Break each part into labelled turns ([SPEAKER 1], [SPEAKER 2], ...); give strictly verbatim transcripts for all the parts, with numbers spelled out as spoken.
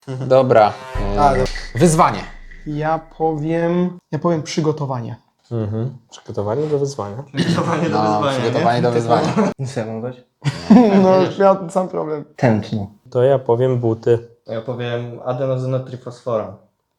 [SPEAKER 1] Dobra.
[SPEAKER 2] A,
[SPEAKER 1] Wyzwanie.
[SPEAKER 2] Ja powiem... Ja powiem przygotowanie.
[SPEAKER 3] Mhm. Przygotowanie do wyzwania.
[SPEAKER 4] Przygotowanie do
[SPEAKER 1] No,
[SPEAKER 4] wyzwania,
[SPEAKER 1] przygotowanie
[SPEAKER 4] nie?
[SPEAKER 1] do wyzwania.
[SPEAKER 4] Co ja mam dać?
[SPEAKER 2] No, miał sam problem.
[SPEAKER 4] Tętno.
[SPEAKER 3] To ja powiem buty.
[SPEAKER 4] Ja powiem adenozynotrifosfora.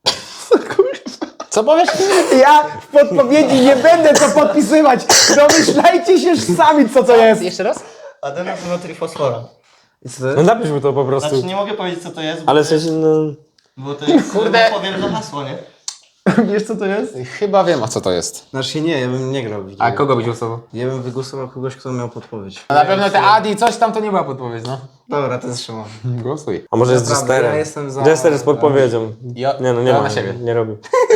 [SPEAKER 1] Co powiesz?
[SPEAKER 2] Ja w podpowiedzi nie będę to podpisywać. Domyślajcie się sami, co to jest.
[SPEAKER 1] Jeszcze raz?
[SPEAKER 4] Adenozynotrifosfora.
[SPEAKER 3] No napisz mu to po prostu.
[SPEAKER 4] Znaczy nie mogę powiedzieć co to jest, bo,
[SPEAKER 3] Ale w
[SPEAKER 4] to, jest,
[SPEAKER 3] sensie, no...
[SPEAKER 4] bo to jest,
[SPEAKER 1] Kurde.
[SPEAKER 4] no, powiem za hasło, nie?
[SPEAKER 2] Wiesz, co to jest?
[SPEAKER 1] Chyba wiem, o co to jest.
[SPEAKER 5] Znaczy nie, ja bym nie grał w
[SPEAKER 1] A kogo byś głosował?
[SPEAKER 5] Ja bym wygłosował kogoś, kto miał podpowiedź.
[SPEAKER 1] No na pewno te Adi, coś tam to nie była podpowiedź, no.
[SPEAKER 5] Dobra, to jest Szymon.
[SPEAKER 1] Głosuj.
[SPEAKER 3] A może jest
[SPEAKER 5] Naprawdę,
[SPEAKER 3] Jesterem?
[SPEAKER 5] ja jestem za-
[SPEAKER 3] Jester z podpowiedzią.
[SPEAKER 1] Ja,
[SPEAKER 3] Nie no, nie
[SPEAKER 1] to
[SPEAKER 3] ma.
[SPEAKER 1] na siebie.
[SPEAKER 3] Nie robi.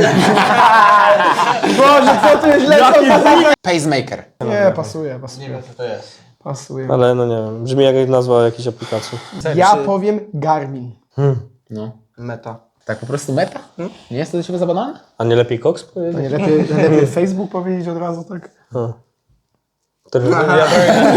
[SPEAKER 2] Boże, co tu jest lecą?
[SPEAKER 1] Pacemaker.
[SPEAKER 2] Nie, pasuje,
[SPEAKER 4] Nie
[SPEAKER 2] pasuje.
[SPEAKER 4] wiem co to jest.
[SPEAKER 2] Pasuje.
[SPEAKER 3] Ale no nie wiem. Brzmi jak nazwa jakiejś aplikacji.
[SPEAKER 2] Ja powiem Garmin.
[SPEAKER 1] No.
[SPEAKER 5] Meta.
[SPEAKER 1] Tak po prostu meta? Nie jest to do ciebie za banalne?
[SPEAKER 3] A nie lepiej Cox
[SPEAKER 2] To
[SPEAKER 3] powiedzieć?
[SPEAKER 2] nie lepiej, lepiej Facebook powiedzieć od razu, tak?
[SPEAKER 3] A. To, ja,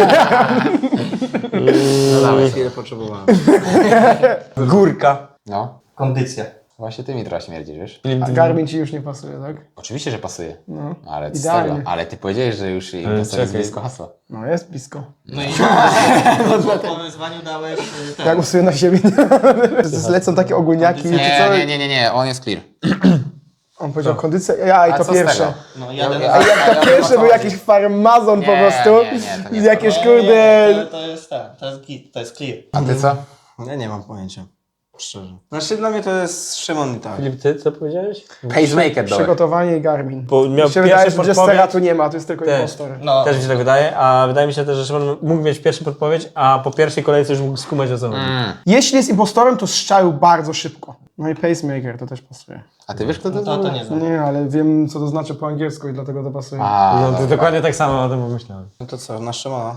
[SPEAKER 5] No dawaj, chwilę potrzebowałem.
[SPEAKER 3] górka.
[SPEAKER 1] No.
[SPEAKER 4] Kondycja.
[SPEAKER 1] Właśnie ty mi trochę śmierdzisz, wiesz?
[SPEAKER 2] A Garmin ci już nie pasuje, tak?
[SPEAKER 1] Oczywiście, że pasuje.
[SPEAKER 2] No.
[SPEAKER 1] Ale z
[SPEAKER 2] Idealnie.
[SPEAKER 1] tego. Ale ty powiedziałeś, że już im
[SPEAKER 3] Ale
[SPEAKER 1] jest
[SPEAKER 3] czekaj.
[SPEAKER 1] blisko hasła.
[SPEAKER 2] No, jest blisko.
[SPEAKER 4] No i po wyzwaniu dałeś y, ten.
[SPEAKER 2] Ja głosuję na siebie. Zlecą takie ogólniaki, czy
[SPEAKER 1] Nie,
[SPEAKER 2] co?
[SPEAKER 1] nie, nie, nie, nie, on jest clear.
[SPEAKER 2] On powiedział kondycja, ja i
[SPEAKER 1] A
[SPEAKER 2] to
[SPEAKER 1] co z tego?
[SPEAKER 2] pierwsze.
[SPEAKER 4] No
[SPEAKER 1] Ja-
[SPEAKER 4] jadę
[SPEAKER 1] ja-
[SPEAKER 4] na...
[SPEAKER 2] A jak to
[SPEAKER 1] Ja
[SPEAKER 2] pierwsze
[SPEAKER 1] wiem, o
[SPEAKER 2] był
[SPEAKER 1] co
[SPEAKER 2] jakiś
[SPEAKER 1] chodzi.
[SPEAKER 2] farmazon po
[SPEAKER 1] Nie,
[SPEAKER 2] prostu.
[SPEAKER 1] nie, nie, to nie
[SPEAKER 2] I
[SPEAKER 1] jest
[SPEAKER 2] jakieś
[SPEAKER 4] Nie,
[SPEAKER 2] kurde...
[SPEAKER 4] nie, to, to jest ten, to jest git, to jest clear.
[SPEAKER 1] A ty co?
[SPEAKER 5] Ja nie mam pojęcia. Szczerze. Znaczy dla mnie to jest Szymon i tak.
[SPEAKER 3] Filip, ty co powiedziałeś?
[SPEAKER 1] Pacemaker dole.
[SPEAKER 2] Przygotowanie i Garmin.
[SPEAKER 3] Bo miał
[SPEAKER 2] Mi się wydaje,
[SPEAKER 3] pierwszą
[SPEAKER 2] że Jestera
[SPEAKER 3] podpowiedź.
[SPEAKER 2] tu nie ma, to jest tylko
[SPEAKER 3] Też.
[SPEAKER 2] impostor.
[SPEAKER 4] No,
[SPEAKER 3] Też mi się tak wydaje, a wydaje mi się też, że Szymon mógł mieć pierwszą podpowiedź, a po pierwszej kolejce już mógł skumać o co chodzi.
[SPEAKER 1] Mm.
[SPEAKER 2] Jeśli jest impostorem, to strzelił bardzo szybko. No i pacemaker to też pasuje.
[SPEAKER 1] A ty wiesz, kto to
[SPEAKER 4] no to, to
[SPEAKER 1] jest?
[SPEAKER 4] nie znam.
[SPEAKER 2] Nie, ale wiem, co to znaczy po angielsku i dlatego to pasuje.
[SPEAKER 1] A,
[SPEAKER 3] No to
[SPEAKER 1] dobra.
[SPEAKER 3] dokładnie tak samo o tym pomyślałem.
[SPEAKER 5] No to co, na Szymona?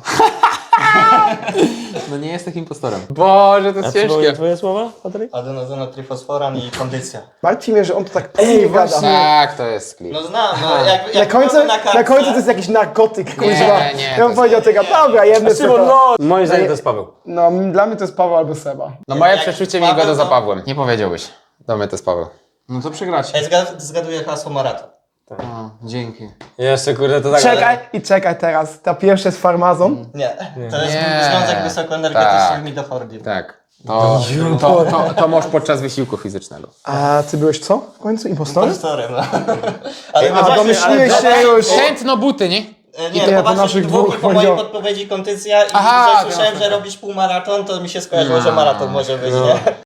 [SPEAKER 1] No nie jest takim impostorem. Boże, to
[SPEAKER 3] A
[SPEAKER 1] jest
[SPEAKER 3] przypomnij
[SPEAKER 1] ciężkie.
[SPEAKER 3] twoje słowa, Patryk?
[SPEAKER 4] Adenozynotrifosforan i kondycja.
[SPEAKER 2] Martwi mnie, że on to tak płynnie gada.
[SPEAKER 1] Tak, to jest clear.
[SPEAKER 4] No znam, no jak,
[SPEAKER 2] Na
[SPEAKER 4] jak
[SPEAKER 2] końcu,
[SPEAKER 4] mamy
[SPEAKER 2] na,
[SPEAKER 4] kartce-
[SPEAKER 2] końcu to jest jakiś narkotyk, kuźwa.
[SPEAKER 1] Nie, nie,
[SPEAKER 2] Ja
[SPEAKER 1] to
[SPEAKER 2] bym
[SPEAKER 1] jest-
[SPEAKER 2] powiedział tego, dobra, jedno
[SPEAKER 3] Szymon,
[SPEAKER 2] to.
[SPEAKER 3] no! Moim zdaniem to jest Paweł.
[SPEAKER 2] No, dla mnie to jest Paweł albo Seba.
[SPEAKER 1] No moje
[SPEAKER 4] Jak
[SPEAKER 1] przeczucie mi
[SPEAKER 4] Paweł,
[SPEAKER 1] go za
[SPEAKER 4] to-
[SPEAKER 1] Pawłem. Nie powiedziałbyś. Do mnie to jest Paweł.
[SPEAKER 5] No to przegracie.
[SPEAKER 4] Ja zgad- zgaduję hasło maraton.
[SPEAKER 5] O, dzięki.
[SPEAKER 3] Jeszcze kurde, to tak...
[SPEAKER 2] Czekaj i czekaj teraz. Ta pierwsza jest farmazon.
[SPEAKER 4] Nie, to jest
[SPEAKER 1] Nie.
[SPEAKER 4] związek wysokoenergetyczny
[SPEAKER 1] Tak.
[SPEAKER 4] w midofordii.
[SPEAKER 1] Tak. To, to, to, to masz podczas wysiłku fizycznego.
[SPEAKER 2] A ty byłeś co w końcu? Impostorem?
[SPEAKER 4] Impostorem, no. Ale no
[SPEAKER 2] A,
[SPEAKER 4] właśnie,
[SPEAKER 2] domyśliłeś
[SPEAKER 4] ale-
[SPEAKER 2] się już.
[SPEAKER 1] Tętno buty, nie?
[SPEAKER 4] E,
[SPEAKER 2] Nie,
[SPEAKER 4] Nie,
[SPEAKER 2] po
[SPEAKER 4] to po
[SPEAKER 2] naszych
[SPEAKER 4] naszych dwóch
[SPEAKER 2] dwóch
[SPEAKER 4] i po mojej
[SPEAKER 2] powiedział-
[SPEAKER 4] podpowiedzi kondycja i
[SPEAKER 1] Aha,
[SPEAKER 4] że
[SPEAKER 1] ty
[SPEAKER 4] słyszałem,
[SPEAKER 1] masz
[SPEAKER 4] że robisz półmaraton, to mi się skojarzyło, że maraton może być, nie?